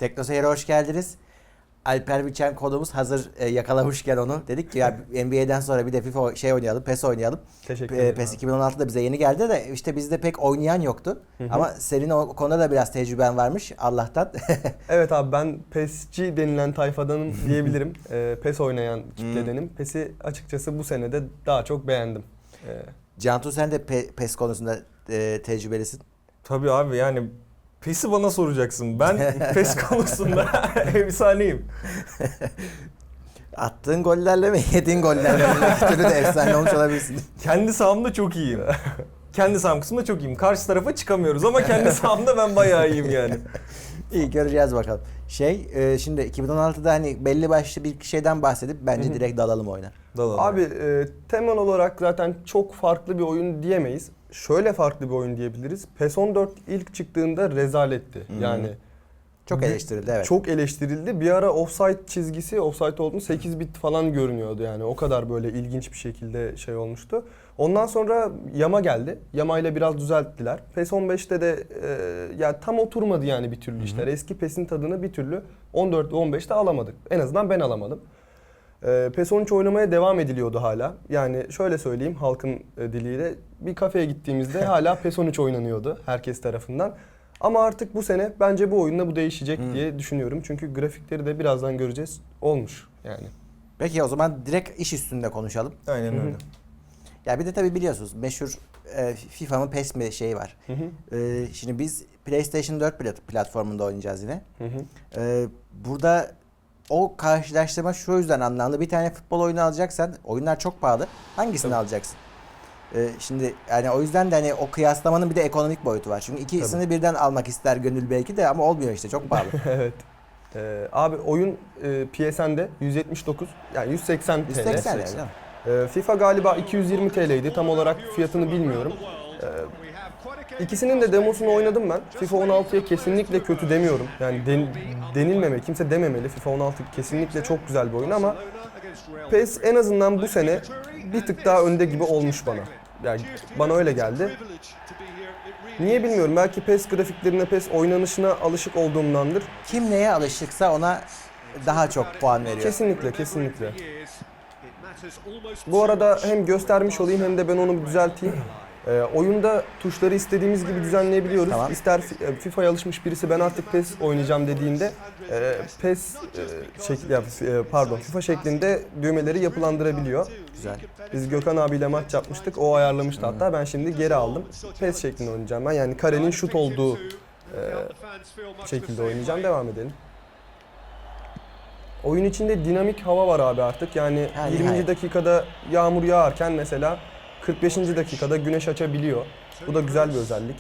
Teknoseyir'e hoş geldiniz. Alper Biçen konuğumuz hazır yakalamışken onu dedik ki ya NBA'den sonra bir de FIFA oynayalım, PES oynayalım. Teşekkür ederim. PES 2016'da bize yeni geldi de işte bizde pek oynayan yoktu. Ama senin o konuda da biraz tecrüben varmış Allah'tan. Evet abi, ben PES'ci denilen tayfadanım diyebilirim. PES oynayan kitledenim. PES'i açıkçası bu sene de daha çok beğendim. Cantu sen de PES konusunda tecrübelisin. Tabii abi, yani PES'i bana soracaksın. Ben PES konusunda efsaneyim. Attığın gollerle mi, yediğin gollerle mi? İki türlü de efsane olmuş olabilirsin. Kendi sahamda çok iyiyim. Kendi saham kısmında çok iyiyim. Karşı tarafa çıkamıyoruz ama kendi sahamda ben bayağı iyiyim yani. İyi, göreceğiz bakalım. Şimdi 2016'da hani belli başlı bir şeyden bahsedip bence direkt dalalım oyuna. Abi temel olarak zaten çok farklı bir oyun diyemeyiz. Şöyle farklı bir oyun diyebiliriz. PES 14 ilk çıktığında rezaletti. Yani çok eleştirildi, evet. Çok eleştirildi. Bir ara offside çizgisi, offside olduğunu 8 bit falan görünüyordu yani. O kadar böyle ilginç bir şekilde şey olmuştu. Ondan sonra Yama geldi. Yama ile biraz düzelttiler. PES 15'te de yani tam oturmadı yani bir türlü işler. Eski PES'in tadını bir türlü 14 ve 15'te alamadık. En azından ben alamadım. PES 13 oynamaya devam ediliyordu hala. Yani şöyle söyleyeyim halkın diliyle, bir kafeye gittiğimizde hala PES 13 oynanıyordu herkes tarafından. Ama artık bu sene bence bu oyunla bu değişecek diye düşünüyorum. Çünkü grafikleri de birazdan göreceğiz. Olmuş yani. Peki o zaman direkt iş üstünde konuşalım. Aynen öyle. Ya bir de tabii biliyorsunuz meşhur FIFA mı PES mi şeyi var. Şimdi biz PlayStation 4 platformunda oynayacağız yine. Burada o karşılaştırma şu yüzden anlamlı. Bir tane futbol oyunu alacaksan, oyunlar çok pahalı. Hangisini alacaksın? Şimdi yani o yüzden de hani o kıyaslamanın bir de ekonomik boyutu var. Çünkü ikisini birden almak ister gönül belki de ama olmuyor işte, çok pahalı. Evet. Abi oyun PSN'de 179 yani 180 TL. 180 değil mi? FIFA galiba 220 TL'ydi. Tam olarak fiyatını bilmiyorum. İkisinin de demosunu oynadım ben. FIFA 16'ya kesinlikle kötü demiyorum. Yani denilmemeli, kimse dememeli. FIFA 16 kesinlikle çok güzel bir oyun ama PES en azından bu sene bir tık daha önde gibi olmuş bana. Yani bana öyle geldi. Niye bilmiyorum. Belki PES grafiklerine, PES oynanışına alışık olduğumdandır. Kim neye alışıksa ona daha çok puan veriyor. Kesinlikle, kesinlikle. Bu arada hem göstermiş olayım hem de ben onu bir düzelteyim. Oyunda tuşları istediğimiz gibi düzenleyebiliyoruz. Tamam. İster FIFA'ya alışmış birisi ben artık PES oynayacağım dediğinde FIFA şeklinde düğmeleri yapılandırabiliyor. Güzel. Biz Gökhan abiyle maç yapmıştık. O ayarlamıştı hatta. Ben şimdi geri aldım. PES şeklinde oynayacağım ben. Yani karenin şut olduğu şekilde oynayacağım. Devam edelim. Oyun içinde dinamik hava var abi artık. Yani 20. dakikada yağmur yağarken mesela 45. dakikada güneş açabiliyor. Bu da güzel bir özellik.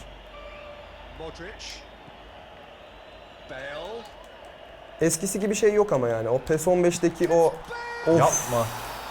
Eskisi gibi şey yok ama yani. O PES 15'teki o Yapma.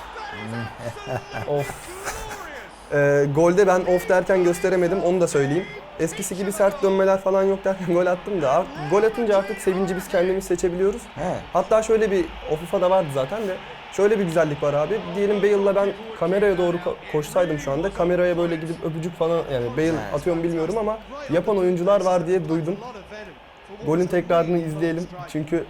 of. Golde ben off derken gösteremedim, onu da söyleyeyim. Eskisi gibi sert dönmeler falan yok derken gol attım da gol atınca artık sevinci biz kendimiz seçebiliyoruz. Hatta şöyle bir, o FIFA'da vardı zaten de, şöyle bir güzellik var abi. Diyelim Bale'la ben kameraya doğru koşsaydım şu anda, kameraya böyle gidip öpücük falan, yani Bale atıyor mu bilmiyorum ama yapan oyuncular var diye duydum. Golün tekrarını izleyelim çünkü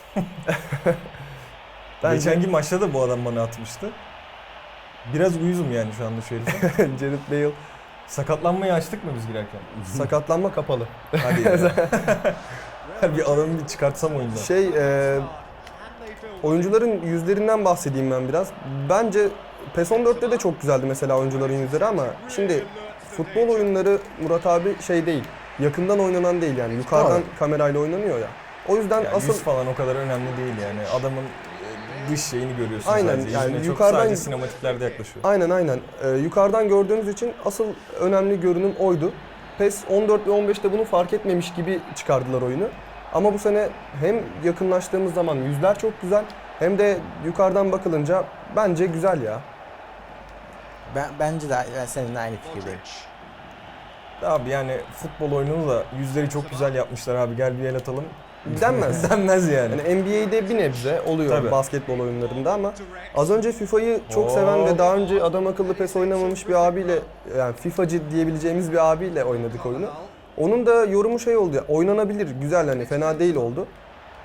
Geçenki maçta da bu adam bana atmıştı. Biraz uyuzum yani şu anda şöyle. Jared Bale. Sakatlanmayı açtık mı biz girerken? Sakatlanma kapalı. Hadi ya. Bir adamı bir çıkartsam oyundan. Oyuncuların yüzlerinden bahsedeyim ben biraz. Bence PES 14'te de çok güzeldi mesela oyuncuların yüzleri ama şimdi futbol oyunları Murat abi şey değil, yakından oynanan değil yani yukarıdan kamerayla oynanıyor ya. O yüzden yani asıl yüz falan o kadar önemli değil yani. Adamın dış şeyini görüyorsun sadece. Yani Yüzüne yukarıdan, çok sadece sinematiklerde yaklaşıyor. Aynen. Yukarıdan gördüğünüz için asıl önemli görünüm oydu. PES 14 ve 15'te bunu fark etmemiş gibi çıkardılar oyunu. Ama bu sene hem yakınlaştığımız zaman yüzler çok güzel hem de yukarıdan bakılınca bence güzel ya. Bence de ben seninle aynı fikirdeyim. Abi yani futbol oyununu da yüzleri çok güzel yapmışlar abi, gel bir el atalım. Denmez. Denmez yani. Yani NBA'de bir nebze oluyor Tabii. basketbol oyunlarında ama az önce FIFA'yı çok seven ve daha önce adam akıllı PES oynamamış bir abiyle, yani FIFA'cı diyebileceğimiz bir abiyle oynadık oyunu. Onun da yorumu şey oldu ya, oynanabilir, güzel, hani fena değil oldu.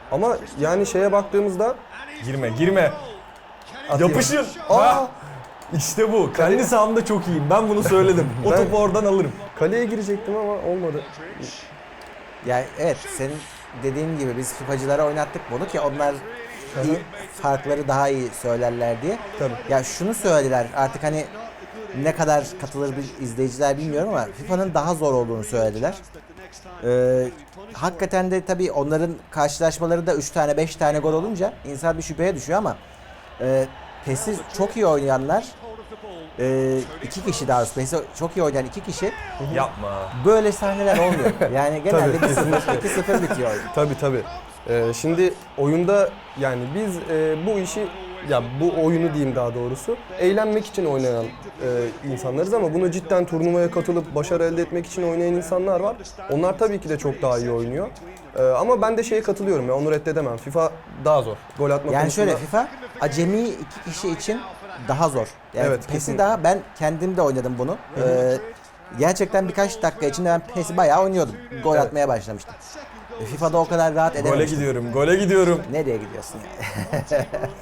Ama yani şeye baktığımızda Girme. Atayım. Yapışın. Aa! Ha! İşte bu. Kendi sahamda çok iyiyim. Ben bunu söyledim. O Ben- topu oradan alırım. kaleye girecektim ama olmadı. Yani evet, senin dediğin gibi biz FIFA'cılara oynattık bunu ki onlar iyi, farkları daha iyi söylerler diye. Tabii. Ya şunu söylediler artık, hani ne kadar katılır bir izleyiciler bilmiyorum ama FIFA'nın daha zor olduğunu söylediler. Hakikaten de tabii onların karşılaşmaları da 3 tane 5 tane gol olunca insan bir şüpheye düşüyor ama PES'i çok iyi oynayanlar, iki kişi daha doğrusu PES'i çok iyi oynayan iki kişi Yapma. böyle sahneler olmuyor. Yani genelde Tabii, 1-0 2-0 bitiyor oyun. Tabii. Şimdi oyunda yani biz bu işi, ya bu oyunu diyeyim daha doğrusu, eğlenmek için oynayan insanlarız ama bunu cidden turnuvaya katılıp başarı elde etmek için oynayan insanlar var. Onlar tabii ki de çok daha iyi oynuyor. Ama ben de şeye katılıyorum ya, onu reddedemem. FIFA daha zor. Gol atma Yani konusunda. şöyle, FIFA acemi iki kişi için daha zor. Yani Evet, PES'i kesinlikle. daha, ben kendim de oynadım bunu. Gerçekten birkaç dakika içinde ben PES'i bayağı oynuyordum. Gol Evet. atmaya başlamıştım. FIFA'da o kadar rahat Gole edememiştim. gidiyorum. Nereye gidiyorsun yani?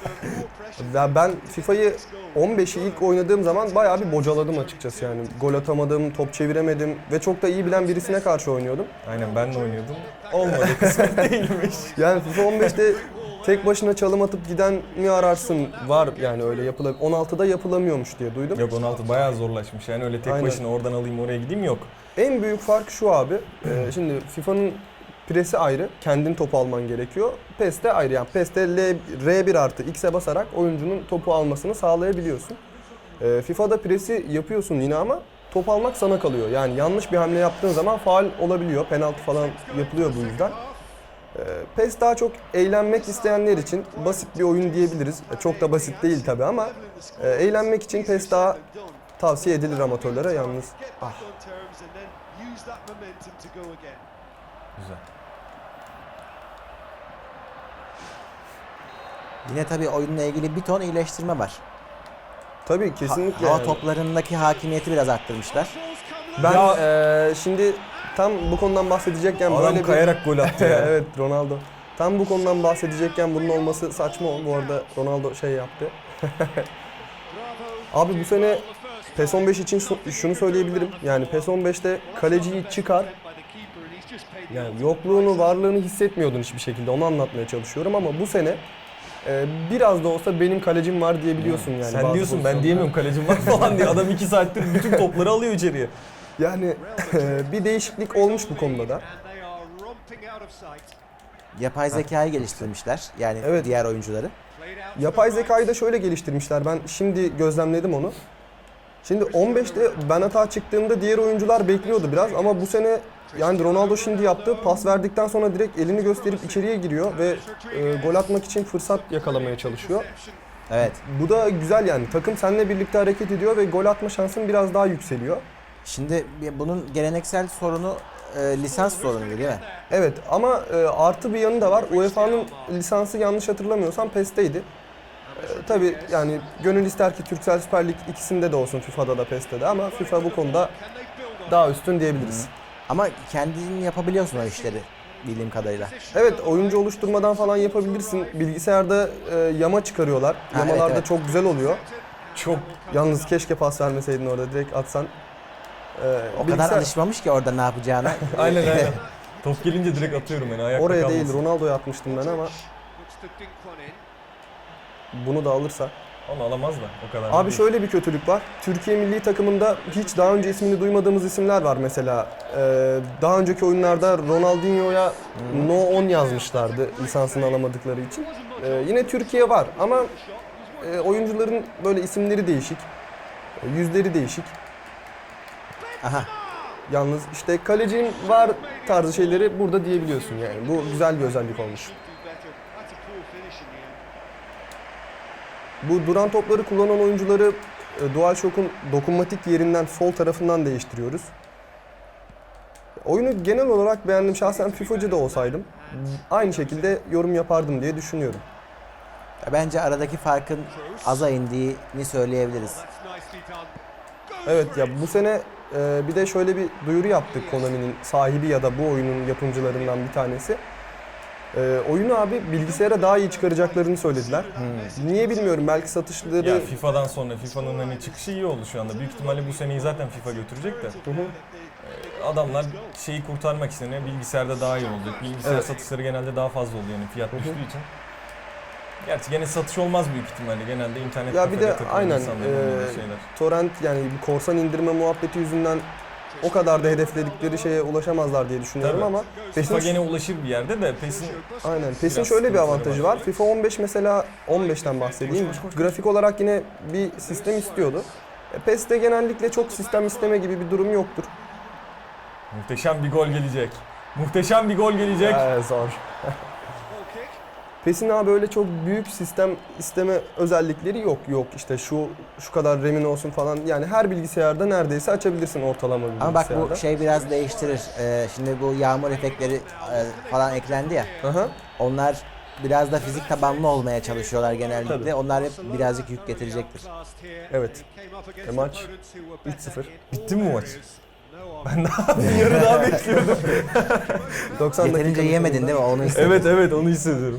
Ya ben FIFA'yı 15'i ilk oynadığım zaman bayağı bir bocaladım açıkçası yani. Gol atamadım, top çeviremedim ve çok da iyi bilen birisine karşı oynuyordum. Aynen, ben de oynuyordum. Olmadı, kısmet değilmiş. Yani FIFA 15'te tek başına çalım atıp giden mi ararsın, var yani öyle 16'da yapılamıyormuş diye duydum. Yok, 16 bayağı zorlaşmış. Yani öyle tek Aynen. başına oradan alayım oraya gideyim yok. En büyük fark şu abi, şimdi FIFA'nın presi ayrı, kendin topu alman gerekiyor. PES'te ayrı, yani PES'te R1 artı X'e basarak oyuncunun topu almasını sağlayabiliyorsun. FIFA'da presi yapıyorsun yine ama top almak sana kalıyor. Yani yanlış bir hamle yaptığın zaman faul olabiliyor, penaltı falan yapılıyor bu yüzden. PES daha çok eğlenmek isteyenler için basit bir oyun diyebiliriz. Çok da basit değil tabi ama eğlenmek için PES daha tavsiye edilir amatörlere yalnız. Güzel. Yine tabii oyunla ilgili bir ton iyileştirme var. Tabii kesinlikle. Hava yani. toplarındaki hakimiyeti biraz arttırmışlar. Ben Ya- şimdi tam bu konudan bahsedecekken Adam böyle kayarak gol attı ya. evet, Ronaldo. Tam bu konudan bahsedecekken bunun olması saçma. Bu arada Ronaldo şey yaptı. Abi bu sene PES 15 için şunu söyleyebilirim. Yani PES 15'te kaleciyi çıkar. Yani yokluğunu, varlığını hissetmiyordun hiçbir şekilde. Onu anlatmaya çalışıyorum ama bu sene biraz da olsa benim kalecim var diyebiliyorsun yani. Sen bazı diyorsun, ben pozisyonlarda. diyemiyorum kalecim var falan diye. Adam 2 saattir bütün topları alıyor içeriye. Yani bir değişiklik olmuş bu konuda da. Yapay zekayı geliştirmişler. Yani Evet. diğer oyuncuları. Yapay zekayı da şöyle geliştirmişler. Ben şimdi gözlemledim onu. Şimdi 15'te ben hata çıktığımda diğer oyuncular bekliyordu biraz ama bu sene yani Ronaldo şimdi yaptı. Pas verdikten sonra direkt elini gösterip içeriye giriyor ve gol atmak için fırsat yakalamaya çalışıyor. Evet. Bu da güzel yani. Takım seninle birlikte hareket ediyor ve gol atma şansın biraz daha yükseliyor. Şimdi bunun geleneksel sorunu lisans sorunu değil mi? Evet ama artı bir yanı da var. UEFA'nın lisansı yanlış hatırlamıyorsam PES'teydi. Tabii yani gönül ister ki Turkcell Süper Lig ikisinde de olsun, FIFA'da da PES'te de, ama FIFA bu konuda daha üstün diyebiliriz. Ama kendin yapabiliyorsun o işleri bildiğim kadarıyla. Evet, oyuncu oluşturmadan falan yapabilirsin. Bilgisayarda yama çıkarıyorlar. Ha, Yamalarda evet. çok güzel oluyor. Çok Yalnız keşke pas vermeseydin orada, direkt atsan. O kadar alışmamış ki orada ne yapacağına. aynen. Top gelince direkt atıyorum yani, ayakta Oraya kalmasın. değil, Ronaldo'ya atmıştım ben ama bunu da alırsa. Onu alamaz da o kadar. Abi değil. şöyle bir kötülük var. Türkiye milli takımında hiç daha önce ismini duymadığımız isimler var mesela. Daha önceki oyunlarda Ronaldinho'ya No 10 yazmışlardı lisansını alamadıkları için. Yine Türkiye var ama oyuncuların böyle isimleri değişik. Yüzleri değişik. Aha. Yalnız işte kalecinin var tarzı şeyleri burada diyebiliyorsun yani. Bu güzel bir özellik olmuş. Bu duran topları kullanan oyuncuları DualShock'un dokunmatik yerinden sol tarafından değiştiriyoruz. Oyunu genel olarak beğendim. Şahsen FIFA'cı da olsaydım aynı şekilde yorum yapardım diye düşünüyorum. Bence aradaki farkın aza indiğini söyleyebiliriz. Evet ya, bu sene bir de şöyle bir duyuru yaptık Konami'nin sahibi ya da bu oyunun yapımcılarından bir tanesi. Oyunu abi bilgisayara daha iyi çıkaracaklarını söylediler. Niye bilmiyorum, belki satışları... Ya FIFA'dan sonra FIFA'nın hani çıkışı iyi oldu şu anda. Büyük ihtimalle bu seneyi zaten FIFA götürecek de. Adamlar şeyi kurtarmak için bilgisayarda daha iyi olacak. Bilgisayar satışları genelde daha fazla oluyor yani fiyat düştüğü için. Gerçi gene satış olmaz büyük ihtimalle. Genelde internet Ya bir de aynen şeyler. torrent, yani bu korsan indirme muhabbeti yüzünden o kadar da hedefledikleri şeye ulaşamazlar diye düşünüyorum. Tabii. Ama FIFA gene ulaşır bir yerde de PES'in... Aynen. PES'in şöyle bir avantajı var. FIFA 15 mesela, 15'ten bahsedeyim. Grafik olarak yine bir sistem istiyordu. PES'te genellikle çok sistem isteme gibi bir durum yoktur. Muhteşem bir gol gelecek. Muhteşem bir gol gelecek. Zor. PES'in abi böyle çok büyük sistem isteme özellikleri yok. Yok işte şu kadar RAM'in olsun falan. Yani her bilgisayarda neredeyse açabilirsin ortalama bir bilgisayarda. Ama bak bu şey biraz değiştirir. Şimdi bu yağmur efektleri falan eklendi ya. Aha. Onlar biraz da fizik tabanlı olmaya çalışıyorlar genellikle. Tabii. Onlar hep birazcık yük getirecektir. Evet. Maç 3-0. Bitti mi bu maç? Ben daha bir yarı daha bekliyordum. 90 Yeterince yemedin değil mi? Onu istedim. Evet onu hissediyorum.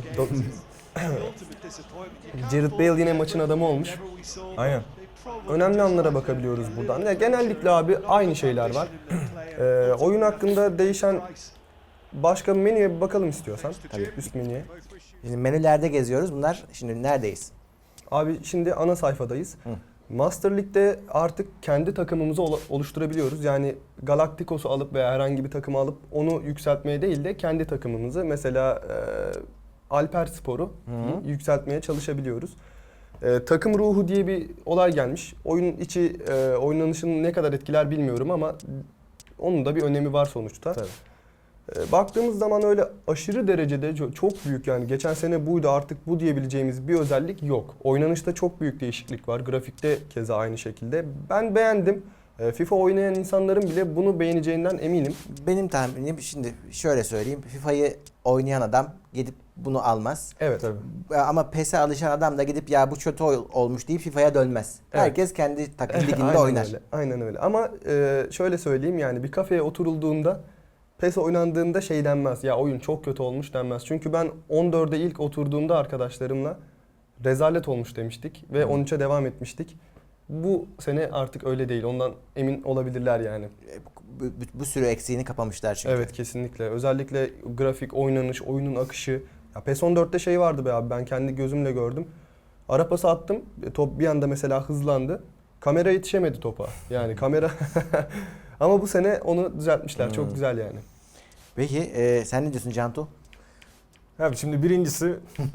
Gareth Bale yine maçın adamı olmuş. Aynen. Önemli anlara bakabiliyoruz buradan. Ya genellikle abi aynı şeyler var. Oyun hakkında değişen başka bir menüye bir bakalım istiyorsan. Tabii. Üst menüye. Şimdi menülerde geziyoruz. Bunlar şimdi neredeyiz? Abi şimdi ana sayfadayız. Master League'de artık kendi takımımızı oluşturabiliyoruz. Yani Galacticos'u alıp veya herhangi bir takımı alıp onu yükseltmeye değil de kendi takımımızı, mesela Alperspor'u yükseltmeye çalışabiliyoruz. Takım ruhu diye bir olay gelmiş. Oyun içi oynanışını ne kadar etkiler bilmiyorum ama onun da bir önemi var sonuçta. Tabii. Baktığımız zaman öyle aşırı derecede çok büyük, yani geçen sene buydu artık bu diyebileceğimiz bir özellik yok. Oynanışta çok büyük değişiklik var. Grafikte keza aynı şekilde. Ben beğendim. FIFA oynayan insanların bile bunu beğeneceğinden eminim. Benim tahminim, şimdi şöyle söyleyeyim. FIFA'yı oynayan adam gidip bunu almaz. Evet. Tabii. Ama PES'e alışan adam da gidip ya bu kötü olmuş deyip FIFA'ya dönmez. Evet. Herkes kendi takım liginde Aynen oynar. öyle. Aynen öyle. Ama şöyle söyleyeyim, yani bir kafeye oturulduğunda, PES oynandığında şey denmez. Ya oyun çok kötü olmuş denmez. Çünkü ben 14'e ilk oturduğumda arkadaşlarımla rezalet olmuş demiştik ve 13'e devam etmiştik. Bu sene artık öyle değil. Ondan emin olabilirler yani. Bu sürü eksiğini kapamışlar çünkü. Evet, kesinlikle. Özellikle grafik, oynanış, oyunun akışı. Ya PES 14'te şey vardı be abi, ben kendi gözümle gördüm. Ara pası attım. Top bir anda mesela hızlandı. Kamera yetişemedi topa. Yani kamera... Ama bu sene onu düzeltmişler. Çok güzel yani. Peki sen ne diyorsun Cantu? Abi şimdi birincisi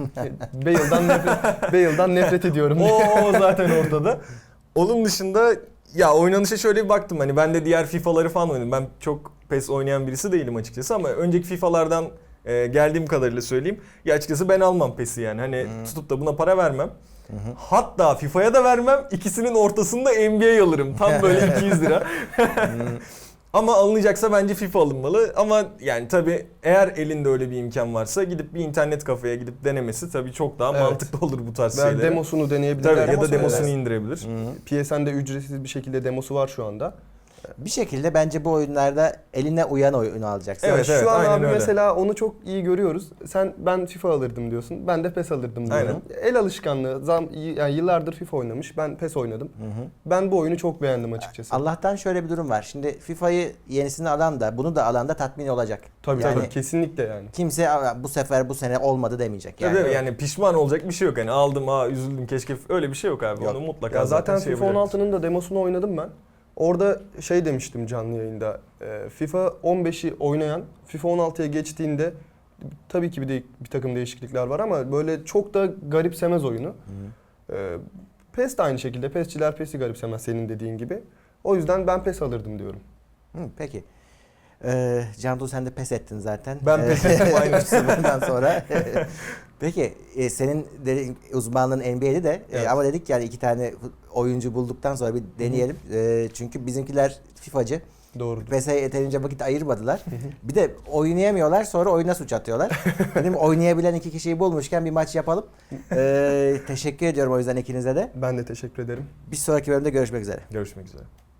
Bale'dan nefret ediyorum. o zaten ortada. Onun dışında ya oynanışa şöyle bir baktım, hani ben de diğer FIFA'ları falan oynadım. Ben çok PES oynayan birisi değilim açıkçası ama önceki FIFA'lardan geldiğim kadarıyla söyleyeyim. Ya açıkçası ben almam PES'i yani. Hani tutup da buna para vermem. Hatta FIFA'ya da vermem. İkisinin ortasında NBA alırım. Tam böyle 200 lira. Ama alınacaksa bence FIFA alınmalı. Ama yani tabii eğer elinde öyle bir imkan varsa gidip bir internet kafeye gidip denemesi tabii çok daha mantıklı olur bu tarz şeylere. Demosunu deneyebilirler. Tabii, ya da demosunu indirebilir. PSN'de ücretsiz bir şekilde demosu var şu anda. Bir şekilde bence bu oyunlarda eline uyan oyunu alacaksın. Evet, şu an aynen abi öyle. mesela onu çok iyi görüyoruz. Ben FIFA alırdım diyorsun. Ben de PES alırdım diyorum. El alışkanlığı. Yani yıllardır FIFA oynamış. Ben PES oynadım. Ben bu oyunu çok beğendim açıkçası. Allah'tan şöyle bir durum var. Şimdi FIFA'yı yenisini alan da bunu da alan da tatmin olacak. Tabii Yani tabii, kesinlikle yani. kimse bu sene olmadı demeyecek. Yani, Yani. yani pişman olacak bir şey yok. Hani aldım üzüldüm keşke, öyle bir şey yok abi. Yok. Onu mutlaka Ya zaten şey FIFA yapacaktır. 16'nın da demosunu oynadım ben. Orada şey demiştim canlı yayında. FIFA 15'i oynayan FIFA 16'ya geçtiğinde tabii ki bir takım değişiklikler var ama böyle çok da garipsemez oyunu. PES de aynı şekilde. PES'çiler PES'i garipsemez senin dediğin gibi. O yüzden ben PES alırdım diyorum. Peki. Cantu sen de pes ettin zaten. Ben pes ettim, aynen. 3-0'dan sonra. Peki senin uzmanlığın NBA'de de Evet. ama dedik yani iki tane oyuncu bulduktan sonra bir deneyelim. Çünkü bizimkiler FIFA'cı. Doğrudur. PES'e yeterince vakit ayırmadılar. Bir de oynayamıyorlar, sonra oyuna suç atıyorlar. Dedim oynayabilen iki kişiyi bulmuşken bir maç yapalım. Teşekkür ediyorum o yüzden ikinize de. Ben de teşekkür ederim. Bir sonraki bölümde görüşmek üzere. Görüşmek üzere.